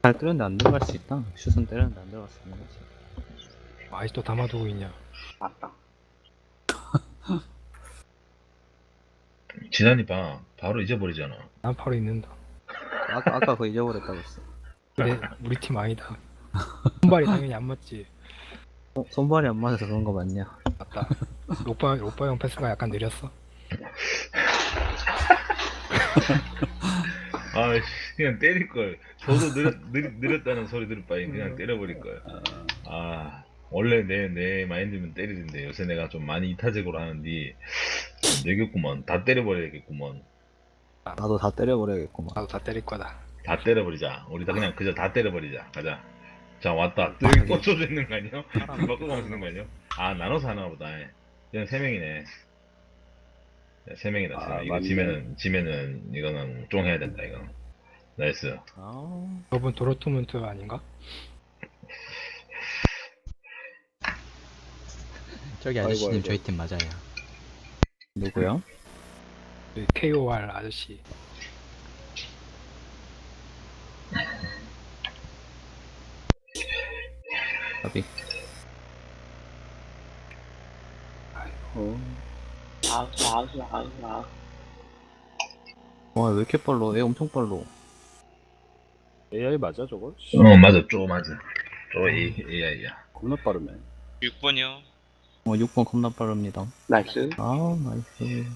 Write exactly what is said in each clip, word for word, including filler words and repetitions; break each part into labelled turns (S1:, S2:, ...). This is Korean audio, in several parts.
S1: 잘 때렸는데 안 들어갈 수 있다. 슛은 때렸는데 안 들어갈 수 있는 거지.
S2: 아직도 담아두고 있냐.
S3: 맞다.
S4: 지난이 봐. 바로 잊어버리잖아.
S2: 난 바로 있는다.
S1: 아까 아까 그거 잊어버렸다고 했어.
S2: 그래, 우리 팀 아니다. 손발이 당연히 안 맞지.
S1: 어, 손발이 안 맞아서 그런 거 맞냐?
S2: 맞다. 오빠, 오빠 형 패스가 약간 느렸어.
S4: 아, 씨, 그냥 때릴 걸. 저도 느렸, 느렸, 느렸다는 소리 들을 바엔 그냥 때려버릴 걸. 아, 원래 내, 내 마인드면 때리는데 요새 내가 좀 많이 이타적으로 하는데, 되겠구먼. 다 때려버려야겠구먼.
S1: 나도 다 때려버려야겠구만.
S2: 나도 다 때릴 거다.
S4: 다 때려버리자. 우리 다 그냥 그저 다 때려버리자. 가자. 자, 왔다. 또 여기 꽂혀져 있는 거 아니야? 바꿔가면서 있는 거 아니야? 아, 나눠서 하나 보다. 그냥 세 명이네. 세 명이다. 세 명.
S3: 아,
S4: 이거
S3: 맞네.
S4: 지면은, 지면은, 이거는 쫑 해야 된다, 이거. 나이스.
S1: 아,
S2: 저분 도로트문트 아닌가?
S1: 저기
S3: 아이고,
S1: 아저씨님
S3: 아이고.
S1: 저희 팀 맞아요. 누구요?
S2: 그 케이오알 아저씨.
S1: 아비.
S3: 어. 아우, 아우, 아우, 아우.
S1: 와, 왜 이렇게 빨라? 애 엄청 빨라.
S3: 에이아이 맞아, 저거? 씨,
S4: 어, 맞아. 쪼 맞아. 쪼 에이아이야.
S3: 겁나 빠르네.
S5: 육 번이요.
S1: 어, 육 번 겁나 빠릅니다.
S3: 나이스.
S1: 아, 나이스.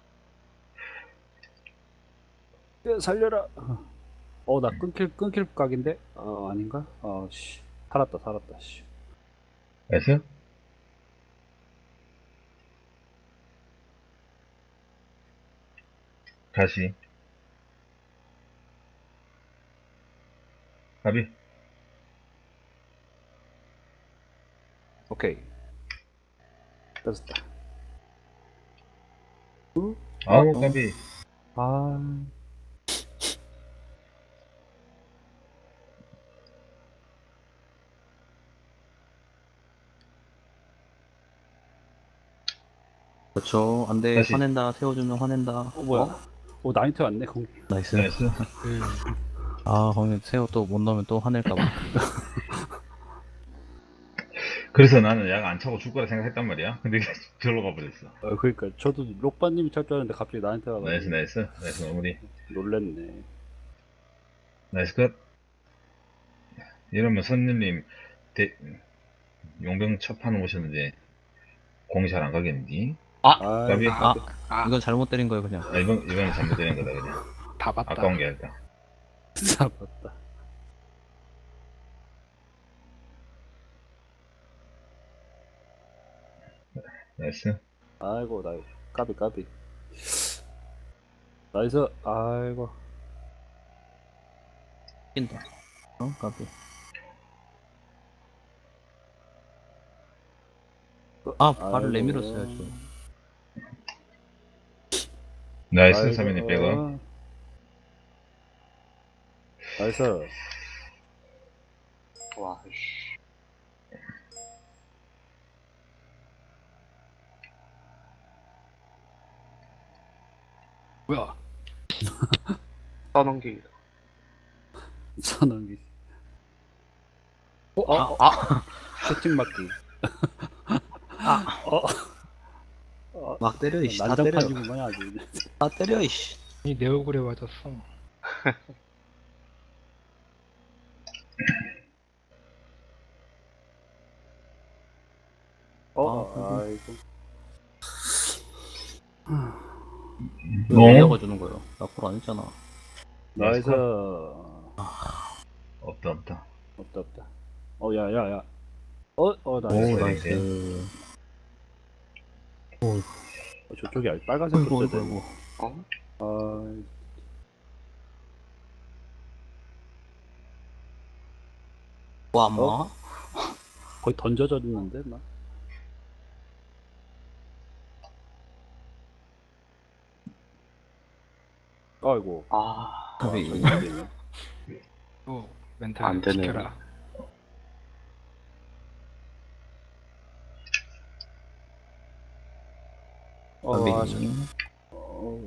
S3: 야, 살려라. 어, 나 끊길, 끊길 각인데? 어, 아닌가? 어, 씨. 살았다, 살았다, 씨.
S4: 나이스? 다시. 가비.
S3: 오케이. 떴다.
S4: 아우, 가비.
S3: 아,
S1: 그렇죠. 안 돼.
S4: 다시.
S1: 화낸다. 세워주면 화낸다.
S3: 어, 뭐야? 어, 나인트 왔네, 공.
S1: 나이스.
S4: 나이스.
S2: 그,
S1: 아, 거기 세워 또 못 넣으면 또 화낼까봐.
S4: 그래서 나는 약 안 차고 줄 거라 생각했단 말이야. 근데 절로 가버렸어.
S3: 어, 그러니까 저도 록바님이 찰 줄 알았는데 갑자기 나한테 와가지고
S4: 나이스, 나이스. 나이스, 마무리.
S3: 놀랬네.
S4: 나이스 컷. 이러면 선생님, 대, 용병 첫 판 오셨는데, 공이 잘 안 가겠니?
S3: 아,
S4: 가비?
S1: 아,
S2: 아,
S1: 이건 잘못 때린 거예요, 그냥.
S4: 아, 이번, 이번에 잘못된 거다, 그냥.
S2: 다 봤다.
S4: 아까운 게 아닐까.
S3: 진짜 맞다.
S4: 나이스.
S3: 아이고, 나 까비 까비. 나이스. 아이고.
S1: 낀다. 어, 까비. 아, 발을
S3: 아이고.
S1: 내밀었어야죠.
S4: 나이스,
S3: 아이고.
S4: 사면이 백업.
S3: 나이스.
S5: 와, 씨.
S2: 뭐야?
S5: 떠넘기기다.
S3: 선언기. 어,
S1: 아,
S3: 어,
S1: 아,
S3: 채팅 맞기. 어,
S1: 막 때려, 이씨. 다 때려.
S3: 난장판이구만 아주.
S1: 다 때려, 이씨.
S2: 이 내 얼굴에 맞았어.
S3: 어,
S1: 아,
S3: 아이고.
S1: 왜
S4: 어?
S1: 이어가주는 거예요? 나콜안 했잖아.
S3: 나이스.
S4: 없다, 없다.
S3: 없다 없다. 어, 야, 야, 야. 어, 어,
S4: 오,
S3: 나이스.
S4: 나이스.
S1: 나이스.
S3: 어, 저쪽이 아직 빨간색
S1: 아이고,
S3: 붙어야
S1: 아이고,
S3: 돼.
S1: 아이고.
S5: 어?
S3: 아,
S1: 와, 뭐?
S3: 어? 거의 던져졌는데, 나. 아이고.
S5: 아,
S1: 까비.
S3: 저기 안 되네.
S2: 또 멘탈
S5: 안 되네.
S2: 지켜라.
S3: 어, 아, 저,
S1: 까비.
S3: 어,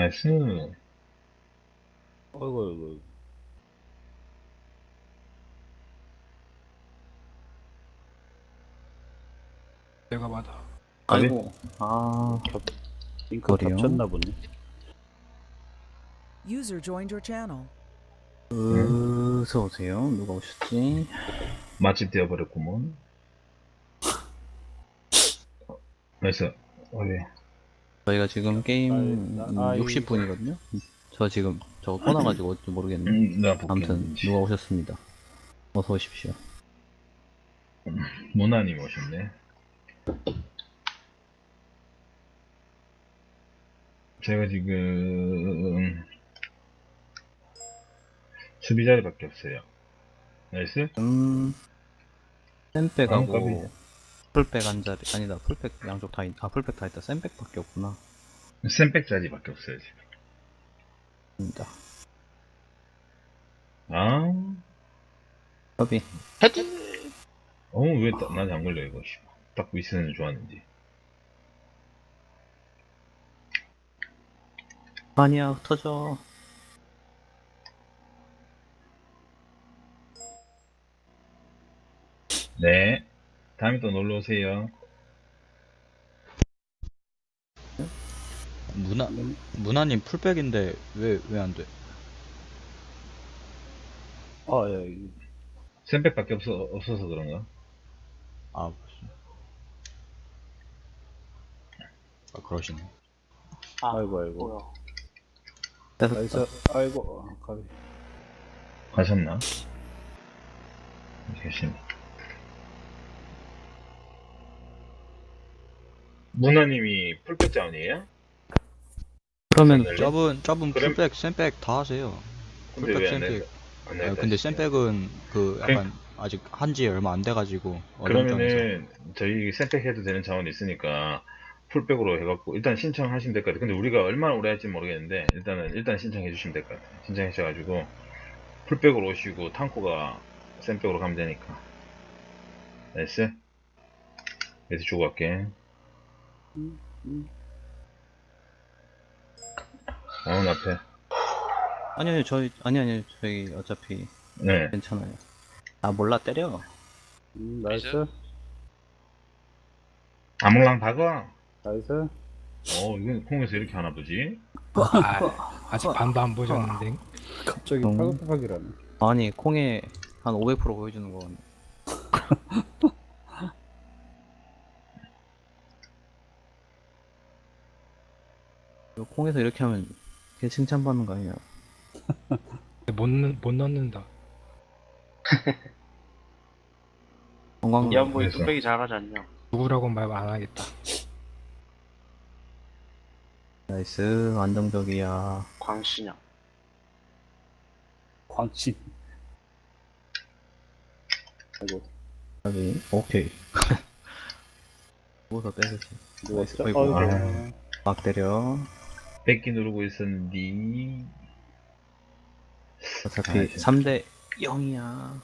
S4: 나이스.
S3: 어이구, 어이구.
S2: 내가 받아.
S1: 아이고. 아,
S3: 겹, 링크
S1: 거리요?
S3: 겹쳤나 보네.
S6: User joined your channel.
S1: 어서 오세요. 누가 오셨지?
S4: 맛집 되어버렸구먼. 나이스. 어디?
S1: 저희가 지금 게임
S3: 아이, 나- 아이.
S1: 육십 분이거든요. 저 지금 저거 꺼놔가지고 어찌 모르겠네.
S4: 음, 나 볼게.
S1: 아무튼 누가 오셨습니다. 어서 오십시오.
S4: 모나님 오셨네. 제가 지금 수비 자리밖에 없어요. 나이스.
S1: 음,
S4: 아,
S1: 샌백하고
S4: 까비.
S1: 풀백 한 자리 아니다. 풀백 양쪽 다 있, 아 풀백 다 있다. 샌백밖에 없구나.
S4: 샌백 자리밖에 없어요 지금.
S1: 입니다.
S4: 아,
S1: 협이
S4: 어, 왜 나- 나한테 안 걸려 이거. 씨. 딱 위스는 좋았는지.
S1: 아니야 터져.
S4: 네. 다음에 또 놀러 오세요.
S7: 문화 문화님 풀백인데 왜 왜 안 돼?
S3: 아, 예. 이-
S4: 샌백밖에 없어 없어서 그런가?
S7: 아 무슨? 아 그러시네.
S5: 아,
S3: 아이고, 아이고.
S5: 뭐야.
S3: 나이스. 아이고, 아, 가비.
S4: 가셨나? 계시네. 문화님이 풀백 자원이에요?
S1: 그러면
S4: 네.
S7: 저분 저분
S4: 그럼-
S7: 풀백 샌백 다 하세요.
S4: 근데
S7: 풀백
S4: 왜 안
S7: 샌백.
S4: 냈어? 안
S7: 아,
S4: 냈다
S7: 근데
S4: 싶어요.
S7: 샌백은 그 약간 아직 한지 얼마 안 돼가지고 어정쩡해서.
S4: 그러면은 저희 샌백 해도 되는 자원이 있으니까 풀백으로 해갖고 일단 신청하시면 될 것 같아요. 근데 우리가 얼마나 오래 할지 모르겠는데 일단은 일단 신청해 주시면 될 것 같아요. 신청하셔가지고 풀백으로 오시고 탕코가 샌백으로 가면 되니까. 나이스. 그래서 주고 갈게.
S3: 음, 음.
S4: 어, 앞에.
S1: 아니 아니 저희 아니 아니 저희 어차피
S4: 네.
S1: 괜찮아요. 아 몰라 때려.
S3: 음, 나이스.
S4: 아몰랑 박아.
S3: 나이스.
S4: 어, 이건 콩에서 이렇게 하나 보지?
S2: 아, 아직 반도 안 보셨는데.
S3: 갑자기
S1: 음.
S3: 파격파격이라네.
S1: 아니 콩에 한 오백 퍼센트 보여주는 건 이거 콩에서 이렇게 하면 걔 칭찬받는 거 아니야?
S2: 못, 넣- 못 넣는다.
S1: 건강
S5: 이 양반이
S4: 그래서.
S5: 뚝배기 잘하지 않냐?
S2: 누구라고 말 안 하겠다.
S1: 나이스 안정적이야.
S5: 광신이야.
S3: 광신. 아이고,
S1: 여기 오케이. 누워서 때리지.
S3: 누웠어.
S1: 아이고.
S3: 아이고.
S1: 막 때려.
S4: 뺏기 누르고 있었는데.
S1: 어차피
S4: 아이씨.
S1: 삼 대 영이야.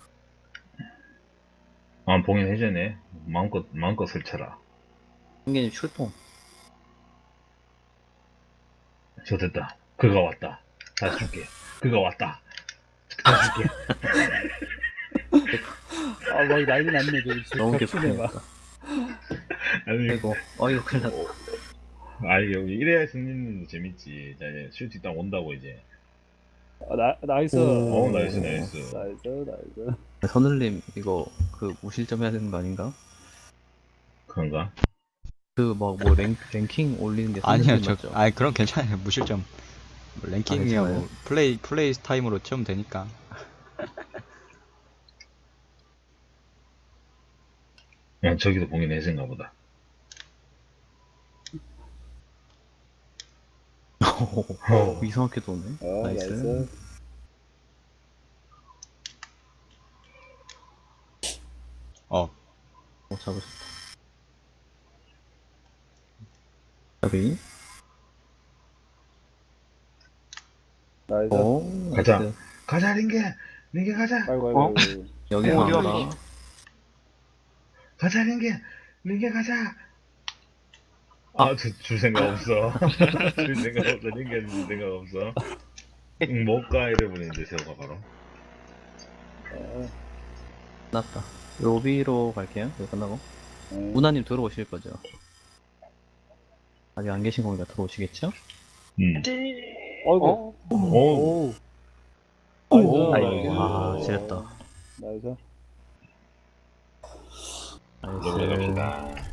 S4: 아, 봉인 해제네. 마음껏, 마음껏 설쳐라.
S1: 승기님 출동.
S4: 저 됐다. 그가 왔다. 다시 줄게. 그가 왔다. 다시 줄게.
S3: 아, 막 난리 났네, 저기. 지금
S1: 너무
S3: 겹치네, 막.
S1: 개판이다.
S4: 아니,
S1: 아이고 어이구 큰일 났다.
S4: 아, 여기 이래야 승리는 재밌지. 자, 이제 슈팅 딱 온다고, 이제.
S3: 아, 나, 나이스.
S4: 오, 나이스, 나이스.
S3: 나이스, 나이스.
S1: 선울님 이거 그 무실점 해야 되는 거 아닌가?
S4: 그런가?
S1: 그 뭐 뭐 랭킹 올리는 게
S7: 아니요
S1: 선생님
S7: 저
S1: 맞죠?
S7: 아니 그런 괜찮아요. 무실점. 뭐 랭킹이야
S1: 괜찮아요?
S7: 뭐 플레이 플레이 타임으로 채우면 되니까.
S4: 야, 저기도 봉인 해제인가 보다.
S1: 어, 이상하게 도네.
S3: 어,
S1: 나이스.
S3: 나이스.
S7: 어
S1: 어, 잡으셨다. 잡이.
S3: 나이스.
S1: 어,
S4: 가자.
S1: 나이스.
S4: 가자, 링게! 링게 가자!
S3: 아이고, 아이고,
S5: 어?
S3: 아이고.
S1: 여기서
S5: 어디
S1: 한다.
S5: 어디?
S4: 가자, 링게! 링게 가자! 아, 줄, 줄 생각 없어. 줄 생각 없어. 링게는 줄 생각 없어. 응, 못가 이래버리는데, 세호가 바로.
S1: 끝났다. 로비로 갈게요. 이거 끝나고.
S3: 네.
S1: 우나님 들어오실 거죠? 아직 안 계신 거니까 들어오시겠죠?
S4: 음.
S3: 어이구.
S4: 오,
S3: 오.
S1: 아이고,
S3: 나이스.
S1: 아, 지렸다.
S3: 나이스.
S1: 나이스.
S4: 이제 올라갑시다.